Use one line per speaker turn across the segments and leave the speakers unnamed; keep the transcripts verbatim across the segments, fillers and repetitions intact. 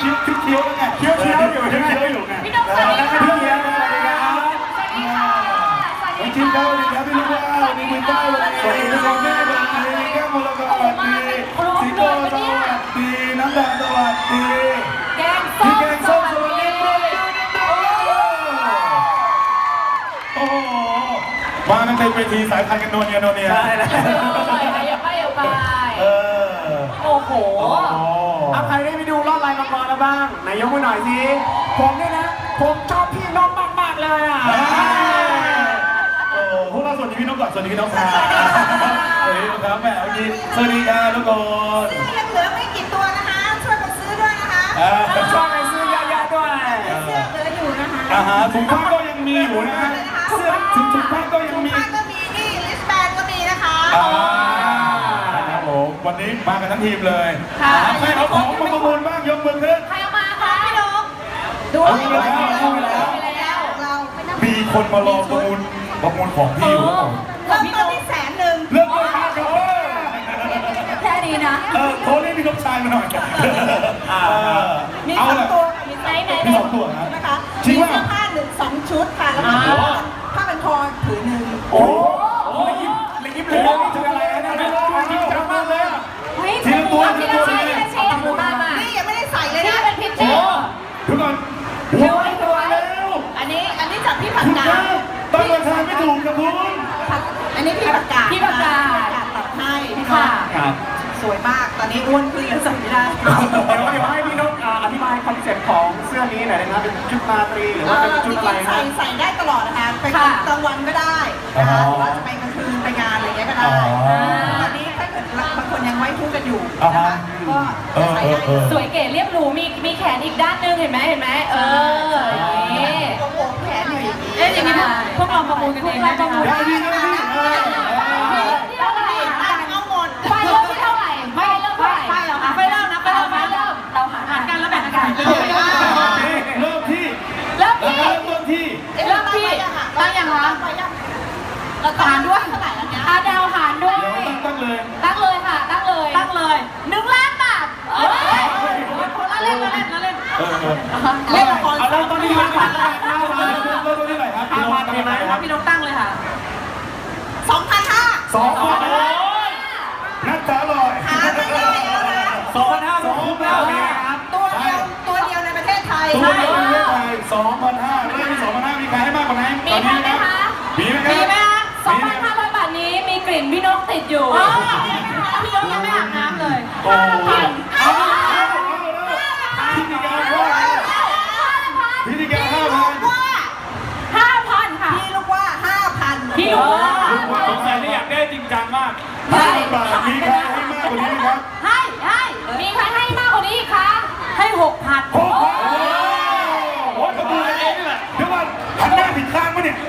คิ้วคิ้วเคี้ยวแล้วไงเคี้ยวเคี้ยวอยู่เคี้ยวเคี้ยวอยู่ไงพี่น้องสวัสดีครับพี่เคี้ยวสวัสดีครับสวัสดีค่ะสวัสดีครับสวัสดีครับพี่ลูกว่ามีมือต้าสวัสดีทุกคนแม่สวัสดีแก้วมรกตสวัสดีสิงโตสวัสดีน้ำดาสวัสดี
แกงส้มแกงส้มสวัสดี
โอ้โหมากันเต็มเวทีสายพันธุ์กันโนเนียโนเนีย
ใช่แล้วอย่าไปอย่าไป
เออ
โอ้โห
เอาใครได้ไปดูรอดลายมังกรแล้วบ้างไหนยกมือหน่อยสิผมเนี่ยนะผมชอบพี่น้องมากๆเลยอ่ะ
โอ้พวกเราสวัสดีพี่น้องก่อนสวัสดีพี่น้องค่ะสวัสดีครับแม่เอายินสวัสดีค่ะทุกคน
เสื้อยังเหลือไม่กี่ตัวนะคะช่วยกันซื้อด้วยนะคะ
ช่วยกันซื้อเยอะๆด้วย
เสื้อเหลืออยู่นะคะ
อาหารถุงผ้าก็ยังมีอยู่นะฮะเสื้อถุงถุงผ้าก็ยังมี
ถุงผ้าก็มีนี่ลิสแบนก็มีนะคะ
ครับผมวันนี้มากันทั้งทีมเลยใครเอาของมาประมูลบ้างยกมือขึ้น
ใครเอามาคะพี่น้อง
ดู
เอาไปแล้ว
เรา
มีคนมารอประมูลประมูลของพี่อยู่
เริ่มต้นที่แสนหนึ่ง
เริ่มต้นที่ครับ
แค่นี้นะ
เออโทรเรียกพี่น้องชายมาหน่อย
มีสองตัว
มีไหนไหน
มีสองตัวนะ
นะคะมีเสื้อผ้าหนึ่งสองชุดค่ะแล้วก็ผ้าเป็นคอถือหนึ่ง
โอ้เลยยิบเลยยิบเลยนี่คืออะไรนะไม่รู้จริงจังมากเลยทีละตัวทีละตัวเลย
นี่ยังไม่ได้ใส่เลยนะ
เป็นพิเศษ
ทุกคน
ดูไอ้ตัว
แล้ว
อันนี้อันนี้จากพี่ผักกาด
ตั้งราคาไม่ถูกนะคุณ
อันนี้พี่ผักกาด
พี่ผักกาด
ตัดให้พี่น้องสวยมากตอนนี้อ้วนขึ้นแล้วใส่ไม่ได้
เดี๋ยวเดี๋ยวให้พี่นกอธิบายคอนเซ็ปต์ของเสื้อนี้หน่อยนะครับเป็นชุดราตรีหรือว่าเป็นชุดอะไร
ใส่ใส่ได้ตลอดนะคะไปกลางวันก็ได้นะคะหรือว่าจะไปกลางคืนไปงานอะไรเงี้ยก็ได้ตอนนี้ถ้าเกิดบางคนยังไว้ทุกกันอยู่นะคะก็ใส่ได้
สวยเก๋เรียบหรูมีมีแขนอีกด้านนึงเห็นไหมเห็นไหมเออ
นี่โอ้โหแขนอยู่อย่างนี้
เอ๊ะอย่างนี้พวกเราประมูลกันเองได้ไหมคะ
ได้ดีได้ดี
เท่าไหร่
เอาหมด
ไฟเริ่มที่เท่าไหร่ไฟเริ่มเท่าไหร่ไฟเริ่มไฟเริ่มนะไฟเริ่มไฟเริ่มเราหารกันแล้วแบ่งกัน
เริ่มที่
เริ่มที่
เริ่มต้นที่
เริ่มที่ตั้งยังคะหารด้วย
เท่าไหร่แล้วเนี่ย
อาดาวหารด้วย
ตั้งเลย
ตั้งเลยค่ะตั้งเลยตั้งเลยหนึ่งล้านบาทเอ้ยละเล่นละเล่นละเล่น
เล่นละครเริ่มต้นที่ห้าพันห้าพัน
เริ่มต้นที่ไหนครับ
ห้าพันมีไหมครับ
พี่น้องตั้งเลยค่ะ
สองพันห้า
สองพันนักจ๋าลอย
หาไม่ได้แล้วนะ
สองพันห้าสองพันห้า
ครับตัวเดียวตัวเดียวในประเทศไทย
ตัวเดียวในประเทศไทยสองพันห้าเริ่มที่สองพันห้ามีใครให้มากกว่านั้น
มีไหมคะ
มีไหมครับ
มีไหมคะสองพันห้าร้อยบาทนี้มีกลิ่นพี่นกติดอยู่พี่นกยังไม่อาบน้ำเลย
โอ้เอาพิธีการว่าพิธีการห้าพัน
ห้าพันค่ะ
พี่ลูกว่าห้าพัน
พี่ลูกว่า
สงสัยนี่อยากได้จริงจังมาก
ห้าบาทมีใครให้มากกว่านี้ไหมครับ
ให้ให้มีใครให้มากกว่านี้อีกคะให้หกพัน
หกพันโอ้ยกระบือเองนี่แหละเดี๋ยวก่อนหันหน้าผิดข้างมั้ยเนี่ย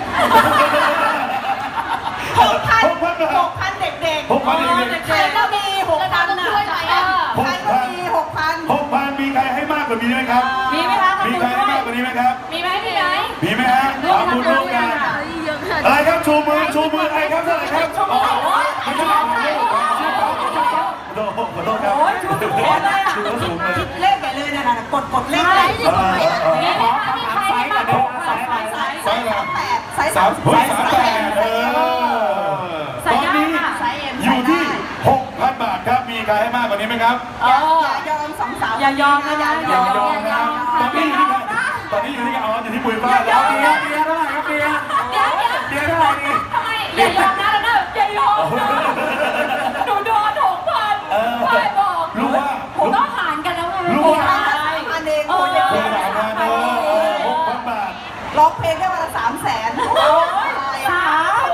หกพันหกพันหกพันเด็กๆ
หกพันเด็กๆ
ใครก็มีหกพันนะใครก็มีหกพัน
หกพันมีใครให้มากกว่านี้ไหมครับ
มีไหมคะ
มีใครให้มากกว่านี้ไหมครับ
มีไหมมีไหม
มีไหมฮะขอบคุณร่วมกันอะไรครับชูมือชูมืออะไรครับเท่าไหร่ครับ
ชูมือ
ไม่ใช่ขอโทษขอโทษครับ
โอ้ยชูสูงเลยอ่ะคิดเลขใหญ่เลยนะนะกดกดเลขเลย
มีไหมคะมีใครให้มากกว่า
ไซส์ไซส์สามแปดไซส์
สามสามแปดเออตอนนี้อยู่ที่หกพันบาทครับมีใครให้มากกว่านี้ไหมครับ
อย่ายอมสองสาว
อย่ายอมนะ
อย่ายอมนะตอนนี้อยู่ที่ตอนนี้อยู่ที่อ๋ออยู่ที่ปุยฟ้าแล้ว
เบียร์เบียร์เท่าไหร่ครับเบียร์
เดี๋ยว
เบียร์เท่าไหร่ดี
ทำไมอย่ายอมนะแล้วนะอย่ายอมหนูโดนหกพันใครบอก
รู้ว่า
ผมต้องหารกันแล้วไง
รู้ว่า
อันเองคุณ
จะเป็นสามพันเออหกพันบาท
ร้องเพลงได้วันละสามแสน
สาม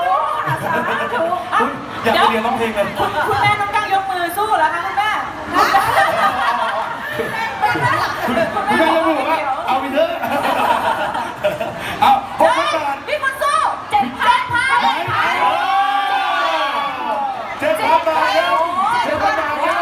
อยากไปเรียนร้องเพลงเลย
คุณแม่ต้องตั้งยกมือสู้แล้วคะคุณแม่
คุณแม่ยังบอกว่าเอาไปเถอะเอาหกพันบาท
พี่คนสู้เจ็ดพันพัน
เจ็ดพันบาทครับเจ็ดพันบาทครับ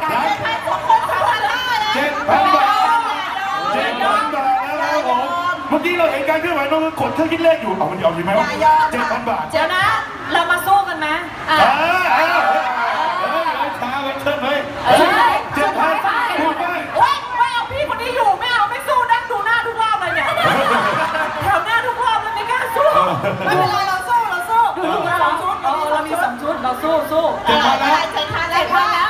เจ็ดพันบาทเจ็ดพันบาทนะครับผมเมื่อกี้เราเห็นการเคลื่อนไหวน้องกดเครื่องคิดเลขอยู่เอามันยอมอยู่ไหมวะเจ็ดพันบาท
เดี๋ยวนะเรามาสู้กันไหม
อ่าเฮ้ยช้าไว้เชิญเลยเจ็ดพันพูดไป
เฮ้ยไม่เอาพี่คนนี้อยู่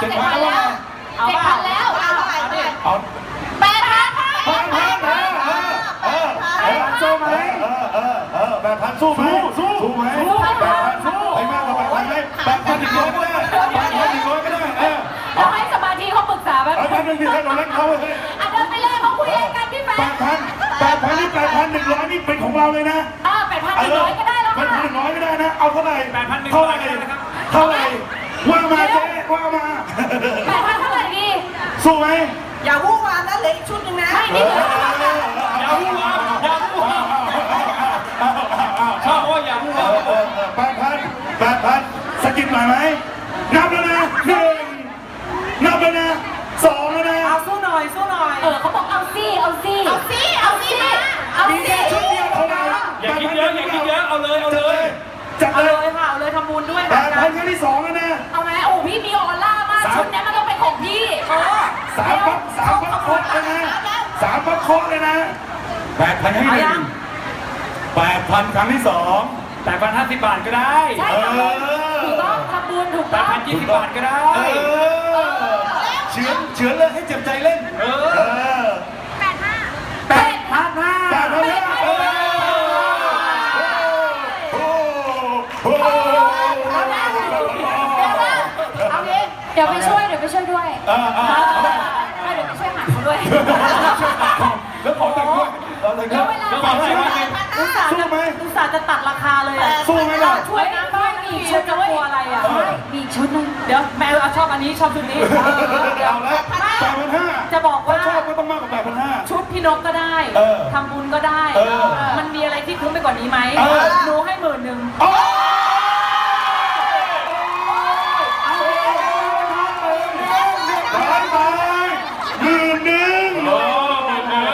จ็ดพันแล้วเจ็ดพันแล้ว
เอาเท่าไหร่เท่าไหร่
เอา
แปดพัน
พันพันเออเออเออสู้ไหมเออเออเออแปดพันสู้ไหมสู้สู้ไหมแปดพันสู้ไอ้มากกว่าแปดพันไหมแปดพันอีกร้อยก็ได้แปดพันอีกร้อยก็ได้เออ
เราให้สมาธิเขาปรึกษาแบบ
เอาพันหนึ่งที่ให้เราเล่นเขาเลย
อ่ะเดินไปเลยเขาคุยอะไรกันพี่แฟ
แป
น
ดพันแปดพันนี่แปดพันหนึ่งร้อยนี่เป็นของเราเลยนะ
อ่าแปดพันหนึ่งร้อยก็ได้แล้ว
แปดพันห
ค่ะ
นึ่งร้อยก็ได้นะเอาเท่าไหร่
แปดพันหนึ่ง
เท่า
ร้
ไห
อ
ร่
ยนะครับ
เท่าไหร่ว่ามาเจ๊ว่ามา
แปดพันเท่าไหร่ดี
สู้ไหม
อย่าวู่วามนะเหลืออีกชุดหนึ่งนะ
ไม่นี่เหลือ
อย่าพูดว่าอย่าพูดว่าชอบว่าอย่าพูดว่า
แปดพันแปดพันสกิปหน่อยไหมนับแล้วนะหนึ่งนับแล้วนะสองแล้วนะ
เอาสู้หน่อยสู้หน่อย
เออเขาบอกเอาซี่เอาซี่เอาซี่เอาซี่เอา
มี
ซี่
แค่ชุดเดียวเท่านั้น
อย่าคิดเยอะอย่าคิดเยอะเอาเลยเอาเลย
จัด
เอา
เล
เลย ยค่ะเอาเลยทำบุญด้วย
แป
ค่ะ
ดพันครั้งที่สองแล้วนะ
เอาไหมโอ้พี่มีออร่ามากชุดนี้มันต้องเป็นของพี่
สามปั๊บสามปั๊บเคาะเลยนะสามปั๊บเคาะเลยนะแปดพันครั้งที่หนึ่งแปดพันครั้งที่สอง
แปดพันห้าสิบบาทก็ได้
ใช่ทำบุญถูกต้องทำบุญถูก
แป
ต้
ด
อง
พันยี่สิบบาทก็ได้
เออเฉือนเฉือนเลยให้เจ็บใจเล่น
เอ
เอ
อ
อ
แปดห้า
แปดพันห้าแปดพันห้าเออโอ้โห
เอางี้เดี๋ยวไปช่วยเดี๋ยวไปช่วยด้วย
เออเออ
ไม่เดี๋ยวไปช่วยหาเขาด้วย
แล้วขอแต่งด้วยเราแต่งด้วย
แล้วขอแต่งด้วย
อุตส่าห์
สู้
จะ
ไหม
อุตส่าห์จะตัดราคาเลยอ่ะ
สู้ไหมล่ะ
ช่วยนะช่วยมีชุดจะกลัวอะไรอ่ะ
มีชุดนึง
เดี๋ยวแมวเอาชอบอันนี้ชอบชุดนี้
เอาละแปดพันห้า
จะบอกว่า
ชอบก็ต้องมากกว่าแปดพันห้า
ชุดพี่นกก็ได้
เออ
ทำบุญก็ได้
เออ
มันมีอะไรที่คุ้มไปกว่านี้ไหม
เออ
หนูให้หมื่นหนึ่ง
โอ้ร้อยไปหมื่นหนึ่ง
โอ้หมื่นหนึ่ง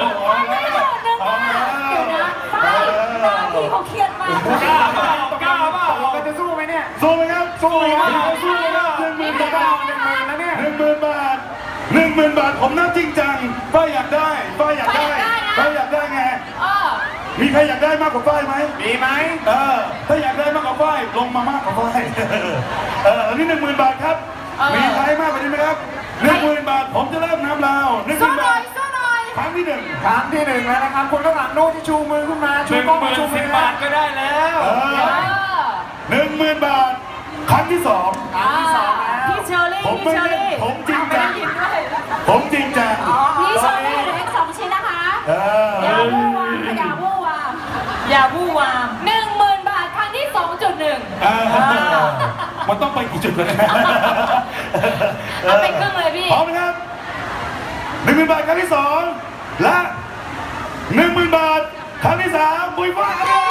พี่เขาเครียดมาก
กล้าเปล่ากล้าเปล่า
เราจะสู้ไหมเนี่ย สู้ไหมครับ สู้ไหมครับสู้ไหมครับหนึ่งหมื่นบาทหนึ่งหมื่นแล้วเนี่ยหนึ่งหมื่นบาทหนึ่งหมื่นบาทผมน่าจริงจังป้าอยากได้ป้าอยากได้ป้าอยากได้ไง
เออ
มีใครอยากได้มากกว่าป้ายไหมมีไหมเออถ้าอยากได้มากกว่าป้ายลงมามากกว่าป้ายเอออันนี้หนึ่งหมื่นบาทครับ มีใครมากกว่านี้ไหมครับหนึ่งหมื่นบาทผมจะเริ่มน้ำลาวหนึ่งห
สู้
มื่น
หน่
บา
อ
ท
ยสู้หน่อย
ครั้งที่หนึ่ง
ครั้งที่หนึ่งแล้วนะครับคุณข้างหลังโน้ตที่ชูมือขึ้นมาหชู นึ่งกล้องหมื่น ชูมืสิ
Ờ.
บบาทก็ได้แล้ว
เอ
เอ
อ
อ
หนึ่งหมื่นบาทครั้งที่สอง
ครั้งที่สองแล้ว
พี่เชอรี่
ผม
พี่
ไม่
เชอ
เล่น
รี่
ผมจริงจัง
เอาไปได้ยินด้วย
ผมจริงจัง
พี่ชอบให้เหลืออีกสองชิ้นนะคะ
เออ
อย่าวู่วามอย่าวู่วาม
อย่าวู่วาม
หนึ่งหมื่นบาทครั้งที่สองจุดหนึ่ง
เออมันต้องไปกี่จุดกันนะ
เอาไปครึ่งเลยพี่
พร้อมนะครับหนึ่งหมื่นบาทครั้งที่สองและหนึ่งหมื่นบาทครั้งที่สามบุยฟ้าครับ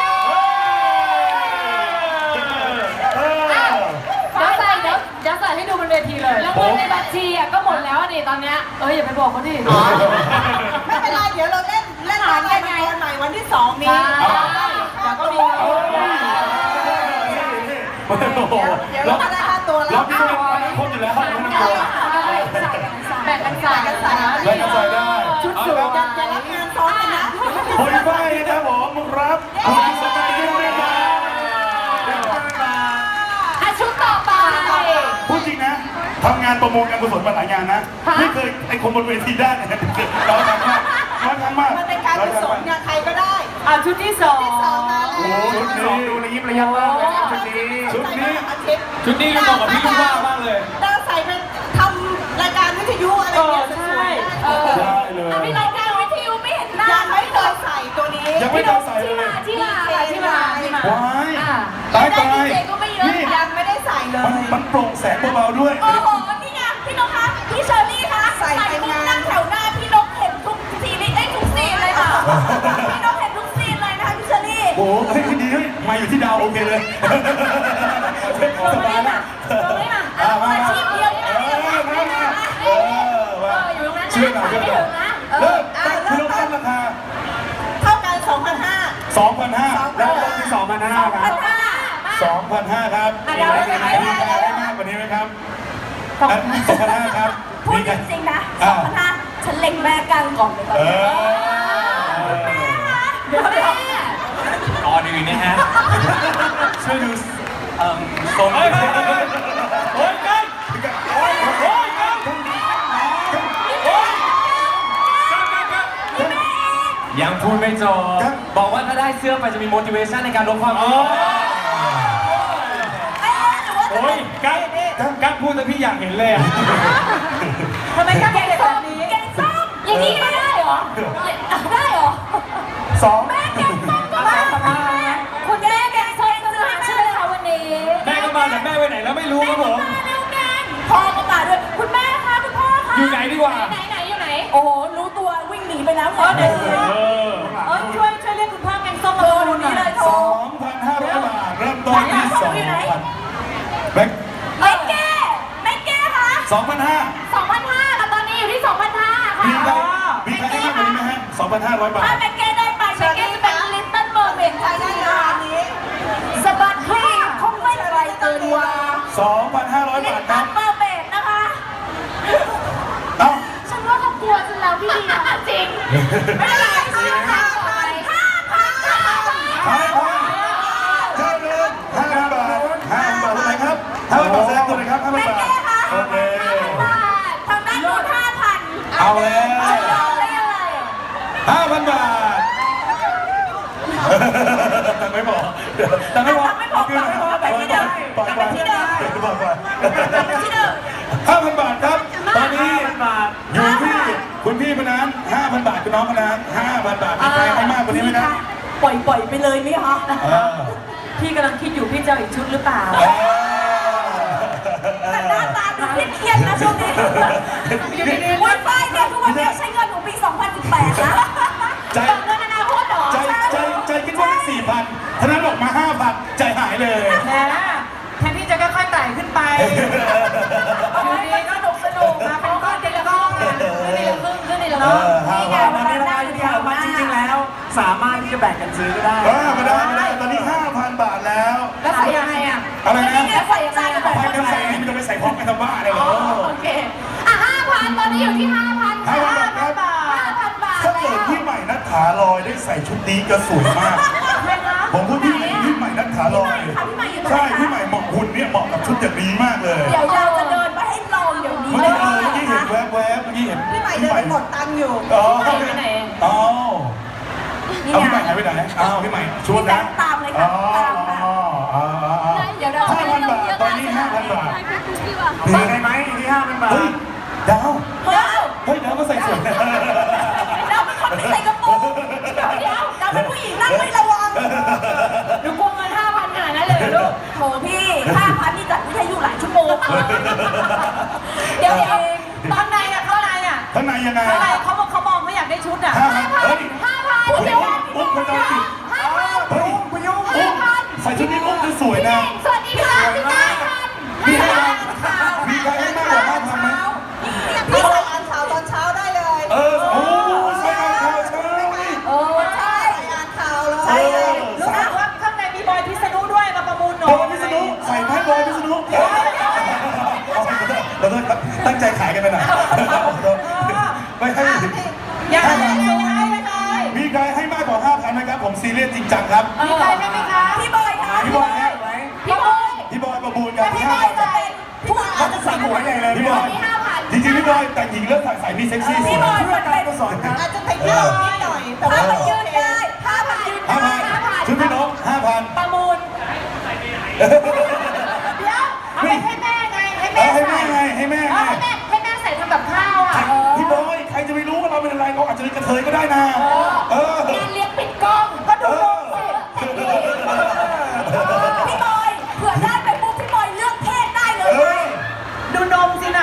เออ
เดี๋ยวใส่เดี๋ยวเดี๋ยวใส่ให้ดูบนเวทีเลย แล้วเงินในบัญชีอ่ะก็หมดแล้วดิตอนเนี้ย
เอ้ยอย่าไปบอกเขาดิ
ไม่เป็นไรเดี๋ยวเราเล่นเล่นหางกันตอนใหม่วันที่สองนี้
เดี๋ยวก็มี
โอ้โห
เดี๋ยวเราก็ได้ค่าตัวแล้
เรา
ว
พี่เป็นคนอยู่แล้วไม่ต้องกลัว
แบ่งกันใส่
แบ่งกันใส่
แบ่งกันใส่ได้
ชุดสวย
อย่าอย่ารับงานซ้อนกันนะ
บุยฟ้านะครับผมรับคุณสมัยด้วยนะครับ
อ่ะชุดต่อไป
พูดจริงนะทำงานประมูลการกุศลมาหลายงานนะ
ค่ะ
ไม่เคยไอ้คนบนเวทีได้เนี่ยเราทำมากเราทำมาก
มันเป็นการกุศลงานใครก็ได้
อ่ะชุดที่สอง
สองมาแล้
โอ้
ว
โหชุด
สอง
นี้
ดูระยิบระยับมากเลยครับชุดนี้
ชุดนี้
อาทิตย์
ชุดนี้ก็เหมาะกับพี่ลูกว่ามากเลย
ดาวใส่เป็นทำรายการวิทยุอะไร
เออ
เงี้ยส
ใช่
วย
เออ
ได้เลย
อ่ะพี่รายการวิทยุไม่เห็นหน้า
ๆยังไม่เคยใส่ตัวนี้
ยังไม่เคยใส่เลย
ที่มาที่มาที่มา
ว้าย
อ่ะ
ตาย
ได้
ตาย
ดีเจก็ไม่เยอะ
นี่
ยังไม่ได้ใส่เล
มัน
ย
มันโปร่งแสงเบาๆด้วย
โอ้โห นี่ไงพี่นกคะพี่เชอรี่คะ
ใส่ไป
ปุ๊บ
งาน
นั่งแถวหน้าพี่นกเห็นทุกซีรีส์ไอ้ยทุกซีนเลยค่ะ พี่นกเห็นทุกซีนเลยนะคะพี่เชอรี่
โอ้โหเฮ้ยดีเฮ้ยมาอยู่ที่ดาวโอเคเลย
ลงมาได้มาลงได้มาอ่ะอาชีพเดียวนี่นะนี่นะนี่นะ
เออ
เอออยู่ตรงนั้นนะ
เชื่อหน่อย
ไม่
เชื่อหน่
ถึ
อย
งนะเอ
เริ่
อ
มคุณลงตั้งราคา
เท่ากันสองพันห้า
สองพันห้า
แล้วลงที่สองพันห้าครับ
ห้า
สองพันห้าครับ
อ่ะเดี๋ยว
มี
เดี๋ยว
ใคร
เดี๋ยว
มีใครได้มากกว่านี้ไหมครับสองพันห้าครับ
พูด
มี
จ
ใคร
ริงๆนะ
อ่า
สองพันห้าฉันเล็งแม่กลางก่อนเลยตอน
เอ
นี้
อ
เดี๋ยวแม่
ก่อนอื่นนะฮะ
ช่วยดูเอ่อทรง
เฮ้ยเฮ้ยเฮ้ยเฮ้ยกันโอ้ยโอ้ยยังพูดไม่จบบอกว่าถ้าได้เสื้อไปจะมี motivation ในการลดความอ้วน
โอ้ยกั๊กกั๊กพูดแต่พี่อยากเห็นเลยอ่ะ
ทำไมกล้าเป็นแบบนี้แกงส้มอย่างนี้ก็ได้เหรอได้เหรอ
สอง
แม่แกงส้มก็มาคุณแม่แกงส้มก็มาใช่ไหมคะวันนี้
แม่ก็มาแต่แม่ไปไหนแล้วไม่รู้ครับผม
มาแล้วกันพ่อก็มาด้วยคุณแม่คะคุณพ่อคะ
อยู่ไหนดีกว่า
ไหนไหนอยู่ไหนโอ้โหรู้ตัววิ่งหนีไปแล้วเหรอเดี๋ยว
เออ
เออช่วยช่วยเรียกคุณพ่อแกงส้มมาดูนี่เลยโทร
สองพันห้าร้อยบาทเริ่มต้นที่สองพันแบงค์
ไม่แก้ไม่แก้คะ
สองพันห้า
สองพันห้าค่ะตอนนี้อยู่ที่สองพันห้าค่ะ
มีใครมีใครให้มากกว่านี้ไหมฮะสองพันห้าร้อยบาท
ถ้าแม่แก้ได้ไปแม่แก้จะเป็นลิตเติ้ลเมอร์เมด
ใครได้งานนี้
สะบัดคลี่คงไม่ไกลเกินว่า
สองพันห้าร้อย
ลิ
บา
ต
ทค
เติ้
รับ
ลเมอร์เมดนะคะ
เอ้า
ฉันว่าเขากลัวฉันแล้วพี่ดีนะจริงไม่เป็นไรค่ะห้าพันห้าพันห้าพัน
ห้าพันเจ้าเงินห้าพันบาทห้าพันบาทเท่าไหร่ครับห้าพันบาทแสดงตัวเลยครับห้าพัน
แม่
บาท
แก้คะ
โอเค
ห้าพันบาททางด้านโน้นห้าพัน
เอาแล้ว
จะยอมได้ยังไง
ห้าพันบาทแต่ไม่บอกแต่ไม่บอก
ไม่บอกแต่ไม่บอกแต่ที่เดิม
ปล่อย
แต่ที่เดิม
บอกก่อน
ที่เดิม
ห้าพันบาทครับ ตอนนี้
บาท
อยู่ที่คุณพี่พนันห้าพันบาทคุณน้องพนันห้าพันบาทมีใครให้มากกว่านี้ไหมครับ
ปล่อยปล่อยไปเลยไหมคะ
เออ
พี่กำลังคิดอยู่พี่จะเอาอีกชุดหรือเปล่า
เออ
แต่หน้าตาดูเครียดๆนะช่วงนี้อยู่ดีๆวันไฟเนี่ยทุกวันนี้ใช้เงินของปีสองพันสิบแปดนะ
ใจ
เงินอนาคตเหรอ
ใจใจใจคิดว่าสี่พันพนันบอกมาห้าพันใจหายเลย
แหมแทนที่จะค่อยๆไต่ขึ้นไปอยู่ดีก็สนุกสนุกมาเป็นก้อนทีละก้อนขึ้นทีละครึ่งขึ้นทีละครึ่งนี่ไง
ตอนนี้ราคาอยู่ที่ห้าพันจริงๆแล้ว สามารถที่จะแบ่งกันซื้อก็ได้
เออไม่ได้ไม่ได้ตอนนี้ห้าพันบาทแล้ว
แล้วใส่ยังไงอ่ะ
อะไรนะ
แล้วใส่ยังไงอะ
ไปกันใส่นี่มันจะไปใส่พร้อมกันทำบ้าเลยเหรอ
โอเคอ่ะห้าพันตอนนี้อยู่ที่ห้าพัน
ห้าพันบาทครับ
ห้าพันบาท
ถ้าเกิดพี่ใหม่นัทถาลอยได้ใส่ชุดนี้จะสวยมาก ผมพูดพี่ใหม่พี่ใหม่นัทถาลอยใช่พี่ใหม่เหมาะหุ่นเนี่ยเหมาะกับชุดอย่างนี้มากเลย
เดี๋ยวเราจะเดินไปให้ลองเดี๋ยวนี้
เมื่อ
เล
กี้
ย
เออเมื่อกี้เห็น
นะคะ
แวบๆเมื่อกี้เห็น
พี่ใหม่เดินไปหมดตังค์อยู่
อ๋อ
ไปไหน
อ๋อ
นี่
เอา
ไง
พี่ใหม่หายไปไหนอ้าวพี่ใหม่ชุดนะ
ตามเลยค่ะ
อ๋อ
ตามค่ะ
อ๋ออ๋ออ๋อ
เดี๋ยวเรา
ห้าพันบาทตอนนี้ห้าพันบาท
มีใครไหมอยู่ที่ห้าพันบาท
เฮ้ยดาว
เฮ้ย
เฮ้ยดาวก็ใส่สวยนะ
เราเป็นคนไม่ใส่กระโปรงเดี๋ยวเดี๋ยวเราเป็นผู้หญิงนั่งไม่ระวังหนูกลัวเงินห้าพันขนาดนั้นเลยเหรอลูกโถพี่ห้าพันนี่จัดวิทยุหลายชั่วโมงเดี๋ยวเดี๋ยวตอนในอ่ะข้างในอ่ะ
ข้างในยังไง
ข้างในเขาบอกเขามองเขาอยากได้ชุดอ่ะ
ห้าพันเฮ้ย
ห้าพัน
อุ๊ย
เดี๋ยว
อุ๊ยคุณจอมจิต
ห้าพัน
เฮ้ย
คุณยุ่ง
อุ๊ยใส่ชุดนี้อุ๊ยจะสวยนะ
สวัสดีค่ะพี่ตาพัน
มีใครมีใครให้มากกว่าห้าพันไหม
พี่ใส่อ่านข่าวตอนเช้าได้เลย
เออโอ้ใส่ข่าวเช้านี่
โอ้ใช่
ใส่อ่านข่าวเลย
ใช่เลย
รู้สึกว่าข้างในมีบอยพิษณุด้วยมาประมูลหน่
บ
อ
อย ยพิษณุใส่ไพ่บอยพิษณุเราต้องตั้งใจขายกันไปหน่อยไม่ให้
ยังไงยังไงยังไง
มีใครให้มากกว่าห้าพันไหมครับผมซีเรียสจริงจังครับ
มีใครไหมคะพี่บอยค่ะ
พี่บอยฮะ
พี่บอย
พี่บอยประมูลกัน
พี่
ห้า
บอย
พัน
จะเป็นผู้อา
เขา
จ
จะ
จะ
ใส่หัวใหญ่เลย
พี่
พี่
บบ อ
อย ย
จริงๆพี่บอยแต่งหญิงเลือกใส่ใส่มีเซ็กซี่สวย
พี่บอย
เพื่อการกุศลครับ
อาจจะติดเรื่องนิดหน่อย แต่ว่า
ถ้า
ไม่
มัน
ยื
ยื
น
น
ได้
ได้ถ้ามันยืน
ห้า
ได้
พัน
ห้าพัน
ชุดพี่น้องห้าพัน
ประมูลเดี๋ยวเอาไปให้แม่ไงให้
เอ
แม่
อให้
ใส่
แม่ไงให้แม่ไง
ให้แม่ให้แม่ใส่ทำกับข้าวอ่ะ
พี่บอยใครจะไปรู้ว่าเราเป็นอะไรเราอาจจะเป็นกระเทยก็ได้นะเออง
านเลี้ยงปิดกล้องก็ดูนมสิพี่บอยเผื่อได้ไปปุ๊บพี่บอยเลือกเพศได้เลย
เออ
ดูนมสิน่ะ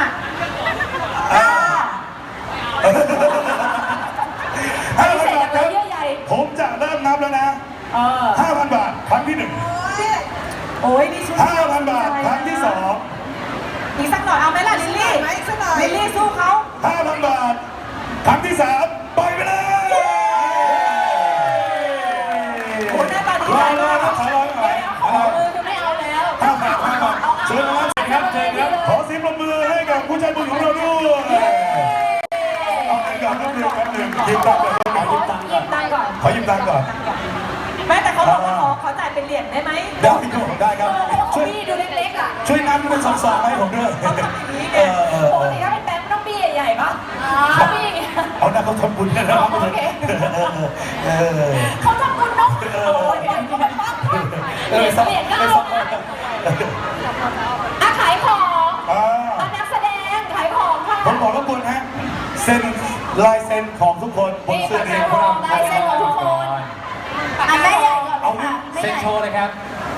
ห้าพัน
เส
บาท
พ
ค
เล
รั
ย
บ
เยื่อใย
ผมจะเริ่มนับแล้วนะ
เออ
ห้าพันบาทครั้งที่หนึ่ง
โอ้ยนี่ชุด
ห้าพันบาทครั้งที่สอง
อีกสักหน่อยเอาไหมล่ะลิลลี่
ไหมสักหน่อย
ลิลลี่สู้เขา
ห้าพันบาทครั้งที่สามปล่อยไปเลย
โอ้ยหน้าตาดี
รอ
ใจ
รอ
มาก
รอรอรอ
ขอมือจะไม่เอาแล้ว
ห้าบาทห้าบาทเชิญนะครับเชิญครับขอเสียงปรบมือให้กับผู้ใจบุญของเราด้วยเอาเงินก่อนแป๊บหนึงแป๊บหนึงยืมตังค์ก่อนขอยืมตังค์ก่
ยิ
อน
บตังค์ก่อน
ขอยืมตังค์ก่อน
แม่แต่เขาบอกว่าขอขอจ่ายเป็นเหรียญได้ไหม
ได้ครับได้ครับช่วย
พี่ดูเล็กๆอ่ะ
ช่วยนับเป็นสองๆให้ผมด้วย
เขาทำอย่างนี้
เอ
ไง
อเออ
ปกติถ้าเป็นแบงค์ต้องบี้ใหญ่ๆป่ะอ๋อบี้อย่างเงี้ย
เอาหน้าเขาทำบุญนะครับ
โอเค
เออ
เขาทำบุญเนาะโอ้ยปล่อยเขาไปปั๊บเปลี่ยนเปลี่ยนก็เอาอ่ะขายของ
อ่า
อ่ะนักแสดงขายของค่ะ
ผมบอกรบกวนฮะเซ็นลายเซ็นของทุกคนบน
นี่
เสื้อ
ขาย
นี้
ของลายเซ็นของทุกคนอ่ะแม่ใหญ่ก่อนเลยค่ะแม่
เซ็น
ใหญ่
โชว์เลยครับ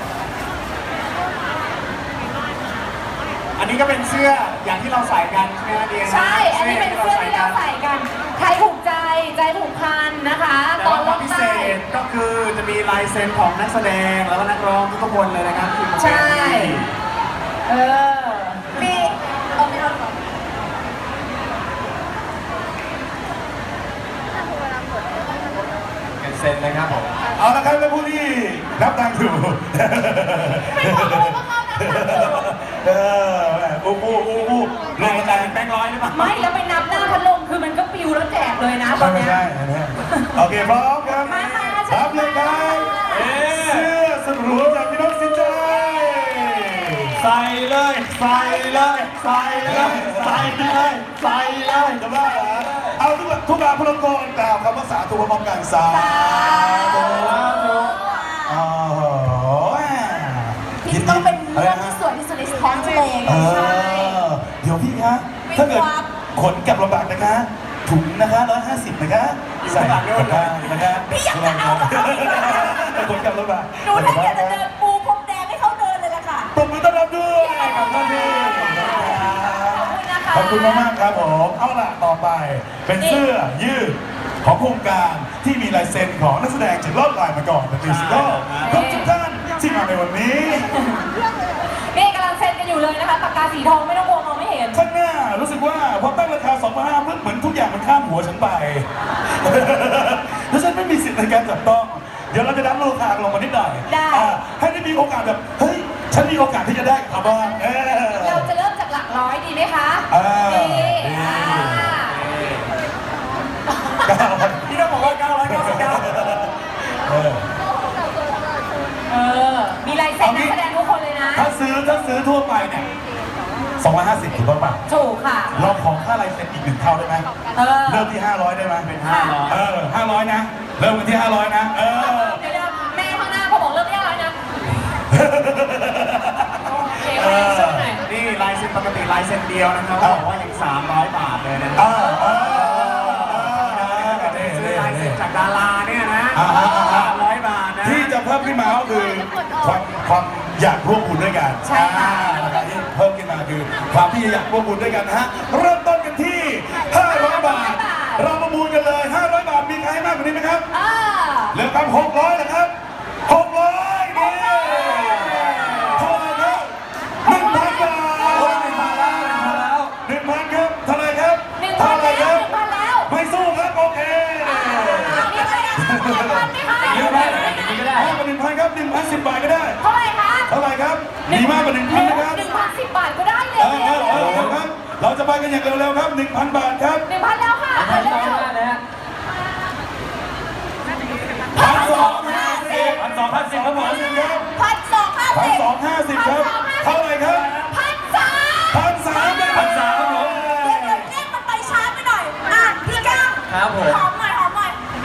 อันนี้ก็เป็นเสื้ออย่างที่เราใส่กันใช่ไหมครับเดีย
ใช่ อันนี้เป็นเสื้อที่เราใส่กันใครถูกใจใจถูกพันนะคะ
แต่
ตอ
ว่าน ค
ล
วาม
ง
พิเศ
ใต้
ษก็คือจะมีลายเซ็นของนักแสดงแล้วก็นักร้องทุกๆคนเลยนะครับที่มาเป็น
ใช่
ที่
เออมีเอาไม่เอาหรอ
เซ็นนะครับผม
เอาละครับแล้วผู้ที่นับตังค์อยู่
ไม่บอกเลยว่าเขานับตังค์อยู่
เอออู้อู้อู้อู้
ลงใจเป็นแบงค์ร้อยหรือเปล่า
ไม่แล้วไปนับหน้าพัดลมคือมันก็ปิวแล้วแจกเลยนะต
ไม่
อน
ไม่
เนี้ย
ใช่อันเนี้ยโอเคพร้อมครับ
มามาเชิญ
รับเลยครับ
เอ๊ะ
เสื้อสรุปจากพี่น้องสินใจ
ใส่เลยใส่เลยใส่เลยใส่เลยใส่เลย
จะบ้าเหรอเอาทุกทุกการพลังกรกล่าวคำว่าสาธุพร้อมกันสาธุโอ้โห
พี่ต้องเป็นเรื่องที่สวยที่สุดในท้องทะเล
เอ
ใช่
อเดี๋ยวพี่คะถ้าเกิดขนกลับลำบากนะคะ ถุงนะคะร้อยห้าสิบนะคะใส่กลับได้นะคะ
พี่อยากจะเอากับเขาอีกเหรอ
ขนกลับลำบาก
หนูแทบอยากจะเดินปูพรมแดงให้เขาเดินเลยล่ะค่ะ
ปรบมือต้อนรับด้วยกับท่านพี่
ขอบคุณนะคะ
ขอบคุณมากๆครับผม เอาล่ะต่อไปเป็นเสื้อยืดของโครงการที่มีลายเซ็นของนักแสดงจากรอดลายมาก่อนเป็นมิวสิคอลทุกทุกท่านที่มาในวันนี้
นี่กำลังเซ็นกันอยู่เลยนะคะปากกาสีทองไม่ต้องกลัวมองไม่เห็น
ข้างหน้ารู้สึกว่าพอตั้งราคา สองพันห้าร้อย เหมือนทุกอย่างมันข้ามหัวฉันไป แล้วฉันไม่มีสิทธิ์ในการจับต้อง เดี๋ยวเราจะดั้มราคาลงมานิดหน่อย
ได้
อ่าให้ได้มีโอกาสแบบ เฮ้ย ฉันมีโอกาสที่จะได้กับเขาบ้างเออ
เราจะเริ่มจากหลักร้อยดีไหมคะ
อ่า
ดีอ่า
พี่ต้องบอกว่าเก้าร้อยเก้าสิบเก้า
เออ
เออ มีลายเซ็นนักแสดงทุกคนเลยนะ
ถ้าซื้อถ้าซื้อทั่วไปเนี่ยสองร้อยห้าสิบถูกต้องป่ะ
ถูกค่ะ
เราขอค่าลายเซ็นอีกหนึ่งเท่าได้ไหม
เออ
เริ่มที่ห้าร้อยได้ไหม
เป็นห้าร้อย
เออห้าร้อยนะ เริ่มกันที่ห้าร้อยนะ เออ
เดี๋ยวๆแม่ข้างหน้าเขาบอกเริ่มที่อะไรนะโอเคโอเคช่วยหน่อย
นี่ลายเซ็นปกติลายเซ็นเดียวนะครับเขาบอกว่ายังสามร้อยบาทเลยนะครั
อ่า
บ
อ่า
ซื้อลายเซ็นจากดาราเนี่ยนะ
อ่าอ่าอ่า
สามร้อยบาทนะ
ที่จะเพิ่มขึ้นมาก็คือความความอยากร่วมบุญด้วยกัน
ใช่ค่ะ
อ่านะครับที่เพิ่มขึ้นมาคือความที่อยากร่วมบุญด้วยกันนะฮะ เริ่มต้นกันที่ ห้าร้อย บาท เราประมูลกันเลย ห้าร้อย บาท มีใครให้มากกว่านี้ไหมครับ
อ่า
เหลือครับหกร้อยนะครับหกร้อยนี่เท่าไหร่ครับหนึ่งพันบาท
โอ้ยหนึ่งพันแล้วหนึ่งพันแล้ว
หนึ่งพันครับเท่าไหร่ครับ
หนึ่งพั
เท่าน ไหร่
แล้
คว รับ
หนึ่งพันแล้ว
ไม่สู้ครับโอเค
นี่อะไรอ่ะหนึ่งพันไหมคะ
เยอะไปไหนอย่างนี้ก็ได้
มากกว่าหนึ่งพันครับหนึ่งพันสิบบาทก็ได้
เท่าไหร่คะ
เท่าไหร่ครับมีมากกว่าหนึ่งพันนะครับ
หนึ่งพันสิบบาทก็ได้เล
เอย อเออเออเอาครับ เราจะไปกันอย่างเร็วๆครับหนึ่งพันบาทครับ
หนึ่งพันแล้วค่ะไปเร็ว
พันสองห้าสิบ
พันสองพันสิบครับผม
พันสิบครับ
พันสองห้า
พัน
สิบ
สองห้าสิบครับเท่าไหร่ครับ
พันสาม
พันสามครับ
พันสามครับผม
เดี๋ยวเดี๋ยวเลขมันไปช้าไปหน่อยอ่ะพี่ก้าว
ครับผม
หอมหน่อยหอมหน่อย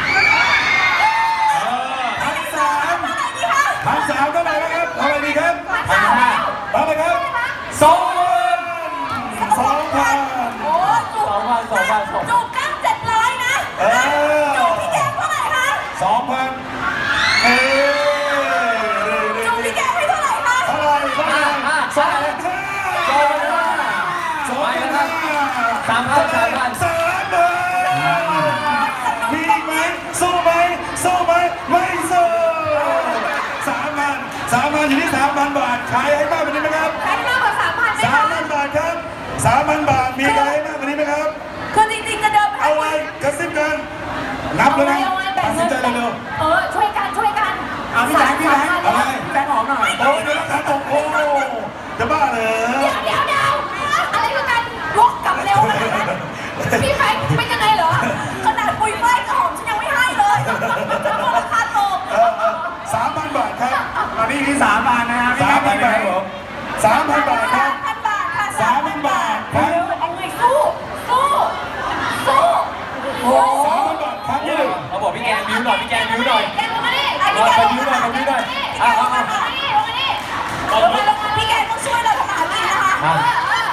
พันสาม
เท่าไหร่ดีคะ
พันสามเท่าไหร่นะครับเท่าไหร่ดีครับ
พันสามแล้ว
เท่าไหร่ครับสองพันสองพัน
โอ้จุก
สองพันสองพันสองพัน
จุกก้าวเจ็ดร้อยนะ
เออ
จุกพี่แก้วเท่าไหร่คะ
สองพันเอ้ย
จุกพี่แก้วให้เท่าไหร่คะ
เท่าไหร่เท่าไหร่สองพันห้าสองพันห้า
สามพันสามพัน
สามพันมีอีกไหมสู้ไหมสู้ไหมไม่สู้สามพันสามพันอยู่ที่สามพันบาทขายให้มากกว่านี้ไหมครับ
ใครมากกว่าสามพันไหม
สาม
คะ
พันบาทครับสามพันบาทมีใครให้มากกว่านี้ไหมครับ
คือจริงๆจะเดินไป
เอาไว้กระซิบกันนับเลยนะ
เอาไว้แบ่
ตั
ง
ดสิ
เงิ
น
น
ใจเร็ว
เออช่วยกันช่วยกัน
อ่ะพี่แบงค์พี่แบงค์
อะไร
พี่แบงค์หอมหน่อย
ๆโอ้ยเดี๋ยวนะครับโอ้โหจะบ้าเหรอ
เดี๋ยวเดี๋ยวเดี๋ยวอะไรคือการวกกลับเร็วขนาดนั้นพี่แฟงเป็นยังไงเหรอขนาดปุยไฟกระหอมฉันยังไม่ให้เลยจะบอกราคาตก
สามพันบาทครับ
ตอนนี้อยู่ที่สามพันนะครับพี่
สาม
แบ
พัน
งค์
บาทผมสามพันบาทครับ
พันบาทค่ะ
สามพันบาทครับ
เร็วเอาไงสู้สู้สู้โอ้
สามพันบาทครับนี่
เขาบอก
พี่แก
ไป
ลง
ยืด
มา
ได้ไปยืดได้
พี่แก
อ่ะ
ล
อ่ะ
ง
อ่ะ
มาลงมานี่ลงมานี่ลงมาลงมาพี่แกต้องช่วยเราทำอาหารกินนะคะเออเออ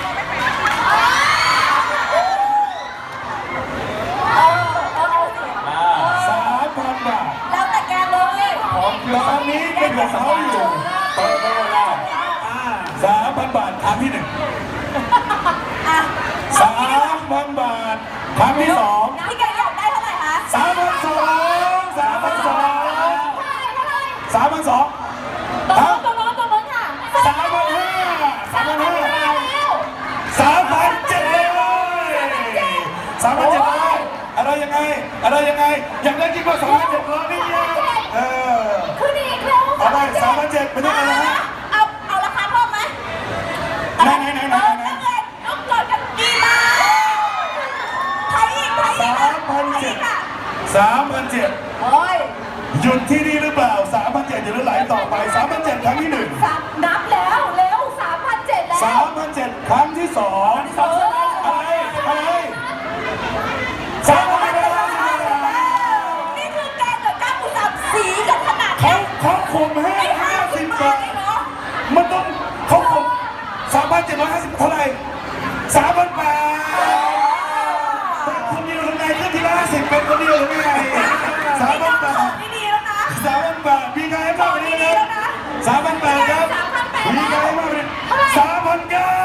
เออเออเอาสิ
สามพันบาท
แล้วแต่แกเลย
ของตอนนี้เป็นของเขาอยู่เปิดโลกแล้วสามพันบาทครั้งที่หนึ่ง
อ่ะ
สามพันบาทครั้งที่สอง
พี่แกอยากได้เท่าไหร่คะ
สามพันสองสามพันสองสามพันสอง
ตรงโน้นตรงโน้นตรงโน้นค่ะ
สามพันห้าสามพันห้า
แล้ว
สามพันเจ็ดร้อยสามพันเจ็ดร้อยอะไรยังไงอะไรยังไงอยากได้จริงว่าสามพันเจ็ดร้อยนี่ยังเออ
คือดีแล้ว
เอาไปสามพันเจ็ดไม่ได้อะไรฮะ
เอาเอาราคาเพิ่มไหม
ไหนไหนไหนไหน
เออ
ไหน
นักเรียนน้องจอดกันกี่บาทไทยอีกไทยอีก
สามพันเจ็ดสามพันเจ็ด
โอ้ย
หยุดที่นี่หรือเปล่าสามพันเจ็ดอย่าลืมไหลต่อไปสามพันเจ็ดครั้งที่หนึ่ง
สามนับแล้วเร็วสามพันเจ็ดแล้ว
สามพันเจ็ดครั้งที่สอง
เออ
อะไรอะไรสามพันเจ็ด
นี่คือแกงกับก้าวกุหลาบสีกันขนาด
เขา
นี้
เขาข่มให้
ไม่ห้า
ห้า
สิ
สิ
บ
บบ
า
บา
ท
ท
เองเหรอ
มันต้องเขาข่มสามพันเจ็ดร้อยห้าสิบเท่าไหร่สามพันแปดเป็นคนเดียวหรือไงขึ้นทีละห้าสิบเป็นคนเดียวหรือไงสามพันแปด
นี่ดีแล้วนะ
สามพันแปดมีใครให้มากกว่านี้ไหมครับสามพันแปดครับมีใครให้มากกว่านี้สามพันเก้า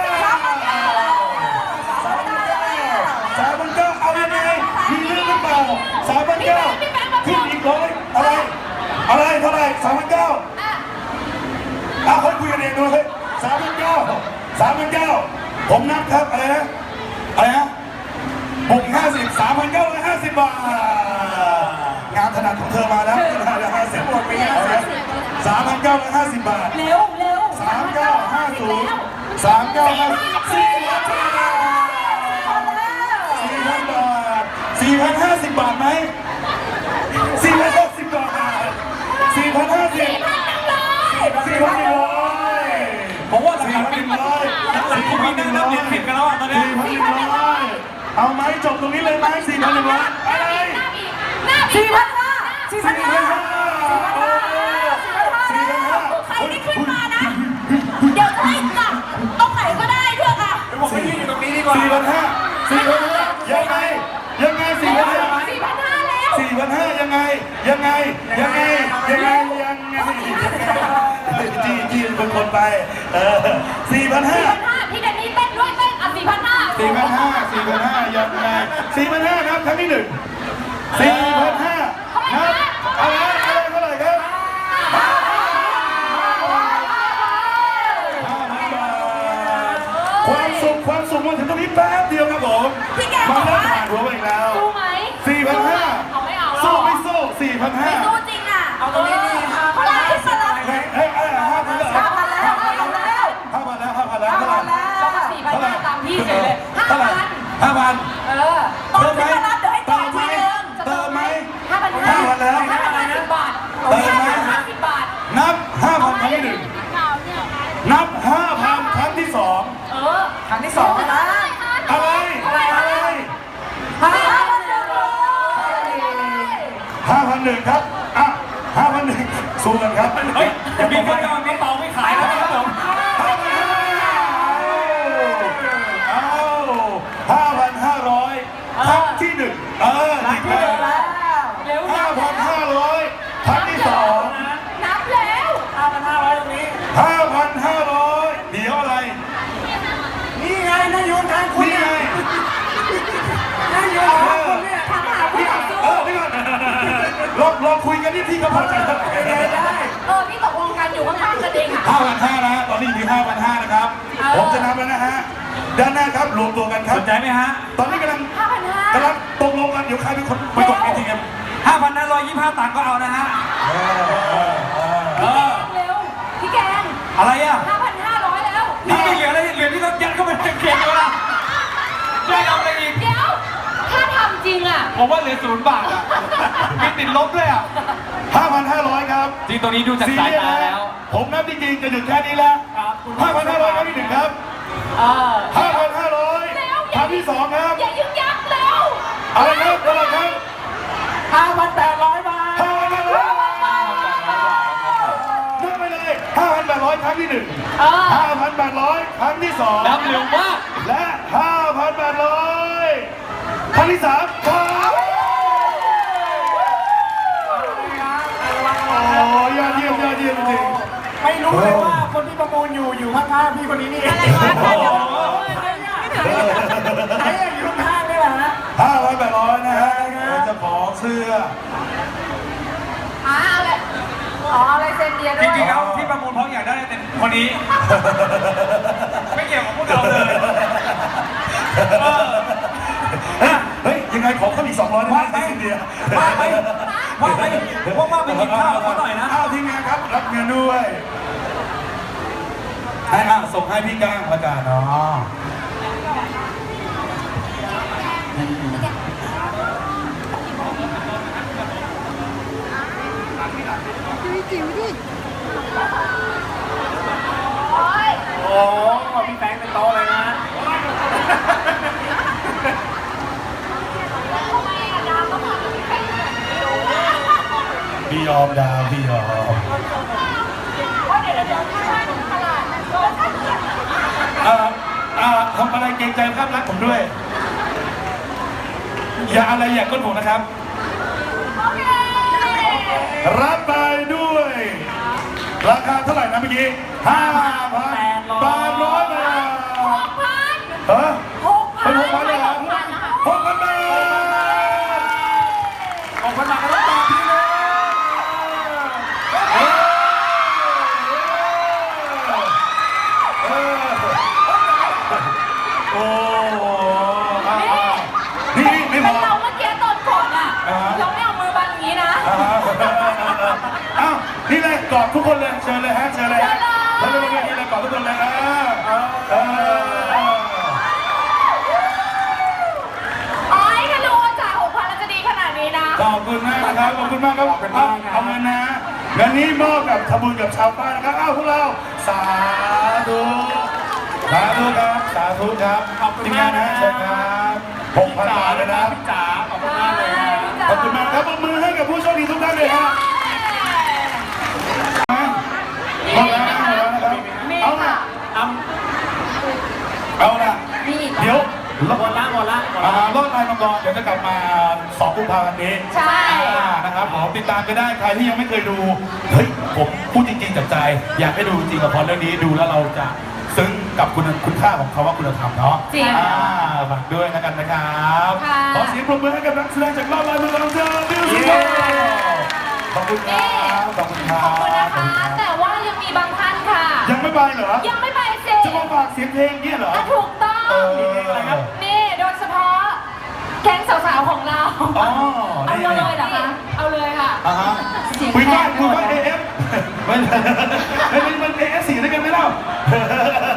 สามพันเก้าเอายังไงมีเรื่องหรือเปล่าสามพันเก้าขึ้นอีกร้อยอะไรอะไรเท่าไหร่สามพันเก้าเอาคนคุยกันเองดูเลยสามพันเก้าสามพันเก้าผมนับครับอะไรนะอะไรนะหกห้าสิบสามพันเก้าร้อยห้าสิบบาทงานถนัดของเธอมาแล้วห้าสิบหมดไปแล้วสามพันเก้าร้อยห้าสิบบาท
เร็วเร็ว
สามเก้าห้าศูนย์สามเก้าห้าสี่พันบาทสี่พันบาทสี่พันห้าสิบบาทไหมสี่พันหกสิบบาทสี่พันห้าสิบสี่พันหนึ่งร้อยผมว่าสี่พันหนึ่งร้อยหลังๆคุณมีนั่งนับเหรียญผิดกันแล้วอ่ะตอนนี้สี่พันหนึ่งร้อยเอาไหมจบตรงนี้เลยไหมสี่พันหนึ่งร้อยอะไร
สี่พันห้าสี่พั
สี่
น
พั
ห้าน
ห้า
สี่พันห้าใครที่ขึ้นมานะ เดี๋ยวจะให้จับตรงไหนก็ได้ด้วยค่ะ
สี่อยู่ตรงนี้ดีกว่าสี่พันห้าสี่พันห้ายังไงยังไงสี่พันห้า
สี่พันห้าแล้ว
สี่พันห้ายังไงยังไงยังไงยังไงยังไงจีจีเป็นคนไปเออสี่พันห้า
สี่พันห้าพี่เดนนี่เต้นด้วยเต้นอ่ะสี่พันห้า
สี่พันห้าสี่พันห้ายังไงสี่พันห้านับครั้งที่หนึ่งสี่พันห้านับอะไรอะไรเท่าไหร่ครับห้าพันบาทความสุขความสุขมาถึงตรงนี้แป๊บเดียวครับผม
พี่แกบ
มา
อก
เริ่ม
ว่า
ผ่านหัวไปอีกแล้ว
สู้ไหม
สี่พันห้า
เอาไม่เอาหร
สู้
อ
ไม่สู้สี่พันห้า
สู้จริงอ่ะเอาตรงนี้ดีค่ะเพราะอะไรขึ้นมาแล้ว
เฮ้ยเฮ้ยเฮ้ยห้าพันแล้ว
ห้าพันแล้วห้าพันแล้ว
ห้าพันแล้วห้าพันแล้วเท่าไหร่
เรามาสี่พันห้าตามพี่เฉยเลยห้า
เท่าไหร่
พัน
ห้าพัน
เออตอนที่มารับเดี๋ยวให้ต่อทีนึง
เติมไหม
ห้าพันห้า
ห้าพันแล้ว
ห้าพันห้าสิบบาท
เติมไหม
ห้าสิบบาท
นับห้าพันครั้งที่หนึ่งนับห้าพันครั้งที่สอง
เออครั้งที่สองนะ
อะไรอะไร
ห้าพันหนึ่ง
ห้าพันหนึ่งครับอ่ะห้าพันหนึ่งสู้กันครับเฮ้ยอย่ามีคนเอากระเป๋าไม่ขายแล้วครับผมเอาห้าพันห้าร้อยครั้งที่หนึ่งเออหนึ่งแล้ว
เร็ว
ห้าพันห้าร้อยครั้งที่สอง
นับแล้ว
ห้าพันห้าร้อยตรงนี้
ห้าพันห้าร้อยเดี๋ยวอะไร
นี่ไงนายโยนทางคุณ
นี่ไง
นายโยนทางคุณเนี่ย
ถามหาผู้ต่อสู้
เออนี่ก่อนลองลองคุยกันที่พี่ก็พอใจแล้ว
เออพี่ตกลงกันอยู่ข้างๆกันเองอ่ะ
ห้าพันห้านะตอนนี้อยู่ที่ห้าพันห้านะครับ ผมจะนับแล้วนะฮะด้านหน้าครับรวมตัวกันครับ
สนใจไหมฮะ
ตอนนี้กำลัง
ห้าพันห้าก
ำลังตกลงกันเดี๋ยวใครเป็นคนไปกดเอทีเอ็ม
ห้าพันห้าร้อยยี่สิบห้าตังค์ก็เอานะฮะ เออ
เร็วพี่แกง
อะไรอ่ะ
ห้าพันห้าร้อยแล้ว
นี่ไม่เหลืออะไรเหลือที่ต้องยัดเข้าไปในเกมแล้วนะช่วยเอาอะไรอีก
เดี๋ยวถ้าทำจริงอ่ะ
ผมว่าเหลือศูนย์บาทอ่ะมีติดลบด้วยอ่ะ
ห้าพันห้าร้อยครับ
จริงตัวนี้ดูจากสายตาแล้ว
ผมนับจริงๆจะหยุดแค่นี้แล้วห้าพันห้าร้อยครั้งที่หนึ่งครับ
เออ
ห้าพันห้าร้อยครั้งที่สองครับ
อย่ายึกยักแล้ว
อะไรครับอะไรครับ
ห้าพันแปดร้อยบาท
ห้าพันห้าร้อยที่หนึ่ง
เออ
ห้าพันแปดร้อยครั้งที่สอง
นับเร็วมาก
และห้าพันแปดร้อยครั้งที่สามครับโอ้ยอดเยี่ยมยอดเยี่ยมจริง
ไม่รู้เลยว่าคนที่ประมูลอยู่อยู่ข้างๆพี่คนนี้นี่เอง
อะไรวะ
โอ้โหไหนอยู่ข้างๆนี่แหละฮะ
ห้าพันแปดร้อยนะฮะเจ้าของเสื้อ
อ่าอะไรอ๋ออะไรเซนเดียด้
จ
วย
ริงๆแล้วที่ประมูลเพราะอยากได้เป็นคนนี้ ไม่เกี่ยวกับพวกเราเลย
เฮ้ยยังไงขอเขาอีกสองร้อยได้ไหมสินเดีย
ว่าไปว่าไปว่ามาไปกินข้าวเขาหน่อยนะ
ข้าวทีมงานครับรับเงินด้วยให้อ่ะส่งให้พี่ก้างละกันเนาะ
โอ้พี่แฟงเป็นโตเลยนะ
พี่ยอมดาวพี่ยอมอ่าอ่าทำอะไรเกรงใจภาพลักษณ์ผมด้วย อย่าอะไรอย่าก้นผมนะครับ รับไปด้วย ราคาเท่าไหร่นะเมื่อกี้ห้าพันแปดร้อยบาท
หกพัน
เออ
หกพั
เป็น นหกพันเลยเหรอ
หกพันนะคะ
หกพันบาท
ออกคนมาก็ต้องตอบพี่เลย
เออเออโอ้อ่านี่ไม่พ
เป็น
อ
เราเมื่อกี้ตอนกดอ่ะเราไม่เอามือบังอย่างนี้นะ
อ่าอ้าวนี่เลยกอดทุกคนเลยเชิญเลยฮะเชิญเลยฮะเชิญเลยนี่เลยกอดทุกคนเลยอ่าเออ
อ๋อถ้ารู้ว่าจ่ายหกพันแล้วจะดีขนาดนี้นะ
ขอบคุณมากนะครับขอบคุณมากครับเอาเอาเงินนะเงินนี้มอบกับทำบุญกับชาวบ้านนะครับอ้าวพวกเราสาธุสาธุครับสาธุครับ
ขอบคุณ
ทีมาน
มางก
นะ
นะ
เชิญครับหกพันบาทเลยนะ
พี่จ๋าขอบคุณมากเลยนะ
ขอบคุณมากครับปรบมือให้กับผู้โชคดีทุกท่านเลยฮะหมดแล้วหมดแล้วนะครับ
มี
เอา
ค่ะ
ละ
เอา
เอาละ
มีอีก
เดี๋ยว
หมดละหมดละหมด
อ่า
ละ
รอดลายมังกรเดี๋ยวจะกลับมาสองกุมภาพันธ์นี้
ใช่
อ่านะครับผมติดตามกันได้ใครที่ยังไม่เคยดูเฮ้ยผมพูดจริงๆจากใจ อยากให้ดูจริงละครเรื่องนี้ดูแล้วเราจะซึ้งกับคุณคุณค่าของเขาว่าคุณธรรมเนาะ
จริง
อ่าฝากด้วยนะกันนะครับ
ค่ะ
ขอเสียงปรบมือให้กับนักแสดงจากรอบลายมังกรเจ้าดิวส์ขอบคุณครับขอบคุณครั
ขอบคุณนะ
บ
คะ แต่ว่ายังมีบางท่านค่ะ
ยังไม่ไปเหรอ
ยังไม่ไปเซ็
จะมาฝากเสียงเพลงเนี่ยเหรอ
ถูกต้อง
เออ
นี่โดยเฉพาะแก๊งสาวๆของเรา
อ๋อ
เอา
นี่
เลยเหรอคะ เอาเลยค่ะ
อ่าฮะ
เสียง
คุย
แห
ว่า
บ
คุยว่า
หม
เอ
ด
เอฟมันมันมันเอเอฟสี่ด้วยกันไหมเล่า